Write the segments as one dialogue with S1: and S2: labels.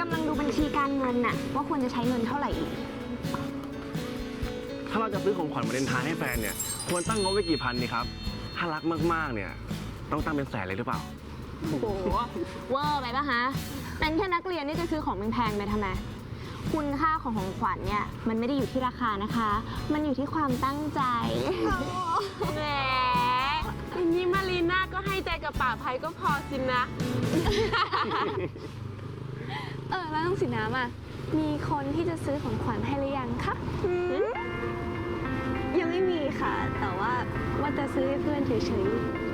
S1: ำลังดูบัญชีการเงินน่ะว่าควรจะใช้เงินเท่าไหร่อีก
S2: ถ้าเราจะซื้อของขวัญวาเลนไทน์ให้แฟนเนี่ยควรตั้งงบไว้กี่พันดีครับถ้ารักมากๆเนี่ยต้องตั้งเป็นแสนเลยหรือเปล่า
S1: โอ้โหเวอร์ไปปะฮะเป็นแค่นักเรียนนี่จะซื้อของแพงๆไปทำไมคุณค่าของของขวัญเนี่ยมันไม่ได้อยู่ที่ราคานะคะมันอยู่ที่ความตั้งใจ
S3: แหมอย่างนี้มารีน่าก็ให้ใจกับป่าภัยก็พอสินะ
S1: แล้วน้องสีน้ำอ่ะมีคนที่จะซื้อของขวัญให้หรือยังคะยังไม่มีค่ะแต่ว่าจะซื้อให้เพื่อนเฉย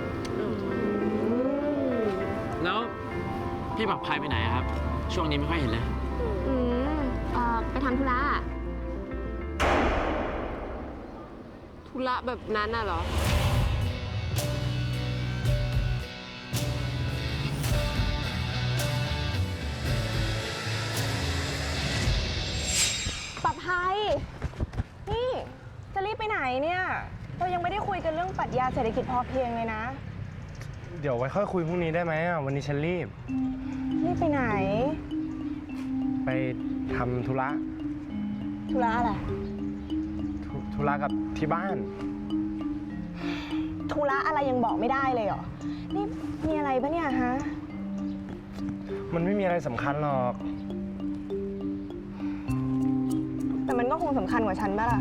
S4: ๆแล้วพี่ป่าภัยไปไหนครับช่วงนี้ไม่ค่อยเห็นเลย
S1: ไปทำธุระ
S3: ธุระแบบนั้นน่ะเหรอ
S5: ป่าภัยนี่จะรีบไปไหนเนี่ยเรายังไม่ได้คุยกันเรื่องปรัชญาเศรษฐกิจพอเพียงเลยนะ
S2: เดี๋ยวไว้ค่อยคุยพรุ่งนี้ได้ไหมวันนี้ฉันรีบ
S5: ไปไหน
S2: ไปทำธุระ
S5: อะไร
S2: ธุระกับที่บ้าน
S5: ธุระอะไรยังบอกไม่ได้เลยเหรอนี่มีอะไรปะเนี่ยฮะ
S2: มันไม่มีอะไรสำคัญหรอก
S5: แต่มันก็คงสำคัญกว่าฉันป่ะล่ะ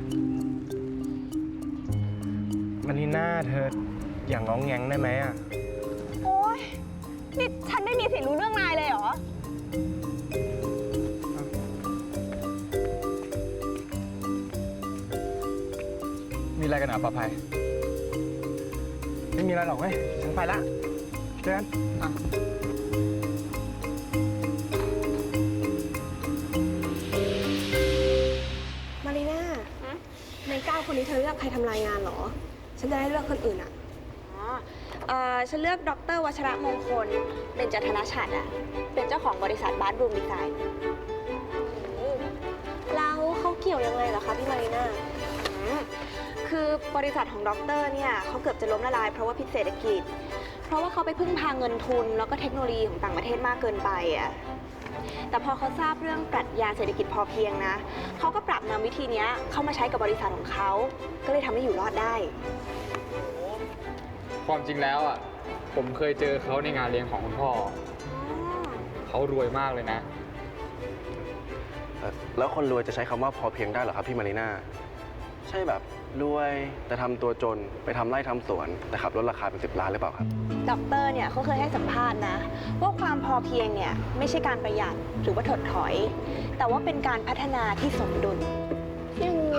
S2: มารีน่าเธออย่างง้องแงงได้ไหม
S5: โอ๊ยนี่ฉันไม่มีสิทธิ์รู้เรื่องนายเลยเหรอ
S2: มีอะไรกันอ่ะป่าภัยไม่มีอะไรหรอกเว้ยฉันไปละเจอกัน
S5: มารีน่าใน9 คนนี้เธอเลือกใครทำรายงานเหรอฉันจะได้เลือกคนอื่นอ่ะฉันเลือกดร.วัชระมงคลเบญจธนฉัตรเป็นเจ้าของบริษัทบาร์รูมดีไซน์แล้วเขาเกี่ยวยังไงเหรอคะพี่มารีน่าคือบริษัทของด็อกเตอร์เนี่ยเขาเกือบจะล้มละลายเพราะว่าพิษเศรษฐกิจเพราะว่าเขาไปพึ่งพาเงินทุนแล้วก็เทคโนโลยีของต่างประเทศมากเกินไปแต่พอเขาทราบเรื่องปรัชญาเศรษฐกิจพอเพียงนะเขาก็ปรับนำวิธีนี้เข้ามาใช้กับบริษัทของเขาก็เลยทำให้อยู่รอดได้
S6: ความจริงแล้วผมเคยเจอเขาในงานเลี้ยงของคุณพ่อเขารวยมากเลยนะ
S2: แล้วคนรวยจะใช้คำว่าพอเพียงได้เหรอครับพี่มารีน่าใช่แบบรวยแต่ทำตัวจนไปทำไร่ทำสวนแต่ขับรถราคาเป็น10 ล้านหรือเปล่าครับ
S5: ด็อกเตอร์เนี่ยเขาเคยให้สัมภาษณ์นะว่าความพอเพียงเนี่ยไม่ใช่การประหยัดหรือว่าถดถอยแต่ว่าเป็นการพัฒนาที่สมดุล
S3: ยังไง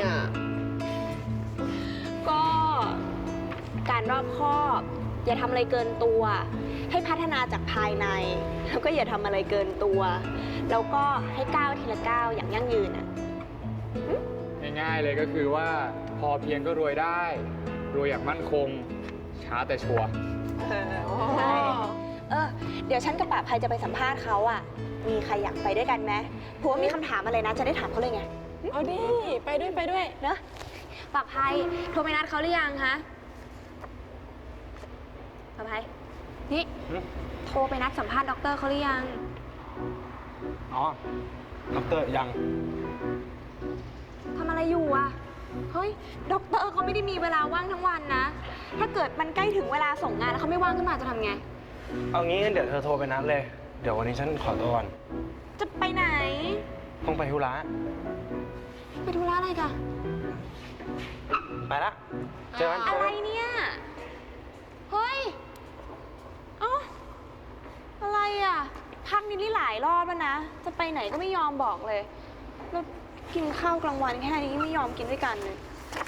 S5: ก็การรอบคอบอย่าทำอะไรเกินตัวให้พัฒนาจากภายในแล้วก็อย่าทำอะไรเกินตัวแล้วก็ให้ก้าวทีละก้าวอย่างยั่งยืน
S6: ง่ายๆเลยก็คือว่าพอเพียงก็รวยได้รวยอย่างมั่นคงช้าแต่ชัวร์
S5: ใช่เดี๋ยวฉันกับป่าภัยจะไปสัมภาษณ์เขามีใครอยากไปด้วยกันไหมเพราะว่ามีคำถามอะไรนะจะได้ถามเขาเลยไง
S3: เอาดิไปด้วย
S5: เนอะป่าภัยโทรไปนัดเขาหรือยังคะป่าภัยนี่โทรไปนัดสัมภาษณ์ด็อกเตอร์เขาหรือยัง
S2: อ๋อด็อกเตอร์ยัง
S5: ทำอะไรอยู่เฮ้ยด็อกเตอร์เขาไม่ได้มีเวลาว่างทั้งวันนะถ้าเกิดมันใกล้ถึงเวลาส่งงานแล้วเขาไม่ว่างขึ้นมาจะทำไง
S2: เอางี้เดี๋ยวเธอโทรไปนัดเลยเดี๋ยววันนี้ฉันขอตัวก่อน
S5: จะไปไหน
S2: ต้องไปธุระ
S5: อะไรกัน
S2: ไปละเจอกัน
S5: อะไรเนี่ยเฮ้ยอะไรพักนี่หลายรอบแล้วนะจะไปไหนก็ไม่ยอมบอกเลยแล้วกินข้าวกลางวันแค่นี้ไม่ยอมกินด้วยกันเลย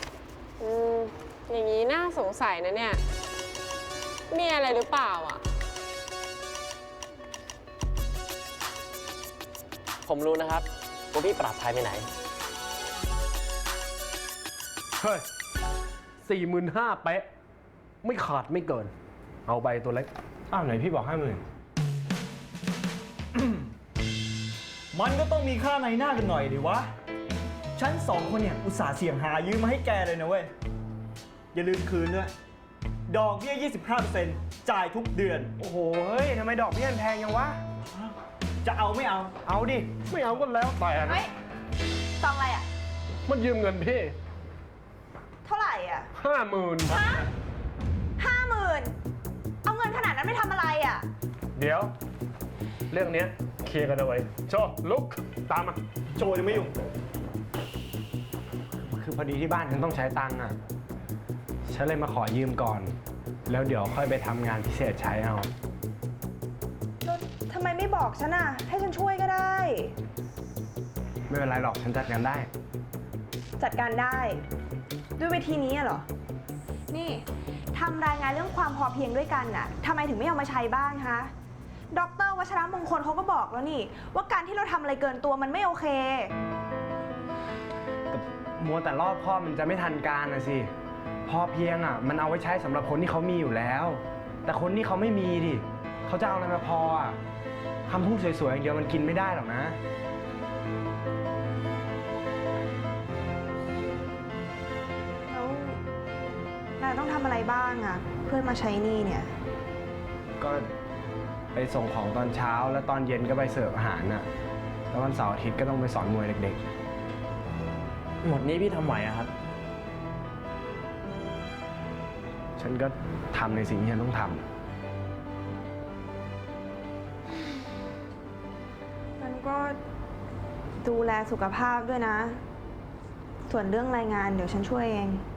S3: อย่างนี้น่าสงสัยนะเนี่ยมีอะไรหรือเปล่า
S4: ผมรู้นะครับว่าพี่ปราบภัยไปไหน
S7: เฮ้ย45,000 เป๊ะไม่ขาดไม่เกินเอาใบตัวเล็ก
S2: ไหนพี่บอก50,000
S8: มันก็ต้องมีค่าในหน้ากันหน่อยดิวะฉัน2 คนเนี่ยอุตส่าห์เสี่ยงหายืมมาให้แกเลยนะเว้ยอย่าลืมคืนด้วยดอกเบี้ย 25% จ่ายทุกเดือน
S2: โอ้โหเฮ้ยทำไมดอกเบี้ยแพงยังวะ
S8: จะเอาไม่เอา
S7: เอาดิ ไม่เอาก็แล้วแต่นะ
S5: เฮ้ยซองอะไรอ่ะ
S7: มันยืมเงินพี่
S5: เท่าไหร่อ่ะ
S7: 50,000
S5: ฮะ50,000เอาเงินขนาดนั้นไปทำอะไรอ่ะ
S7: เดี๋ยว เรื่องเนี้ยเคลียร์กันเอาไว้โชลุกตามมา
S8: โจยังไม่ยุ่ง
S7: คือพอดีที่บ้านฉันต้องใช้ตังค์อ่ะ ฉันเลยมาขอยืมก่อน แล้วเดี๋ยวค่อยไปทำงานพิเศษใช้เอา
S5: ทำไมไม่บอกฉันอ่ะ ให้ฉันช่วยก็ได้
S7: ไม่เป็นไรหรอก ฉันจัดการได้
S5: จัดการได้ ด้วยวิธีนี้อะเหรอ นี่ทำรายงานเรื่องความพอเพียงด้วยกันน่ะทำไมถึงไม่เอามาใช้บ้างคะดร.วัชรมงคลเขาก็บอกแล้วนี่ ว่าการที่เราทำอะไรเกินตัวมันไม่โอเค
S7: มัวแต่รอบคอบมันจะไม่ทันการนะสิ พอเพียงอ่ะ มันเอาไว้ใช้สำหรับคนที่เขามีอยู่แล้ว แต่คนที่เขาไม่มีดิเขาจะเอาอะไรมาพออ่ะคำพูดสวยๆอย่างเดียวมันกินไม่ได้หรอกนะ
S5: แล้วนายต้องทำอะไรบ้างอะเพื่อมาใช้หนี้เนี่ย
S7: ก็ไปส่งของตอนเช้าแล้วตอนเย็นก็ไปเสิร์ฟอาหารน่ะ แล้ววันเสาร์อาทิตย์ก็ต้องไปสอนมวยเด็ก
S4: หมดนี้พี่ทำไหวอะครับ
S7: ๆ ฉันก็ทำในสิ่งที่ฉันต้องทำ
S5: มันก็ดูแลสุขภาพด้วยนะ ส่วนเรื่องรายงานเดี๋ยวฉันช่วยเอง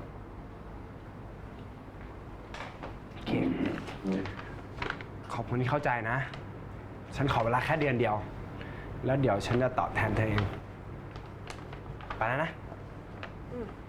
S7: โอเค ขอบคุณที่เข้าใจนะ ฉันขอเวลาแค่เดือนเดียว แล้วเดี๋ยวฉันจะตอบแทนเธอเอง ไปแล้วนะ
S5: อืม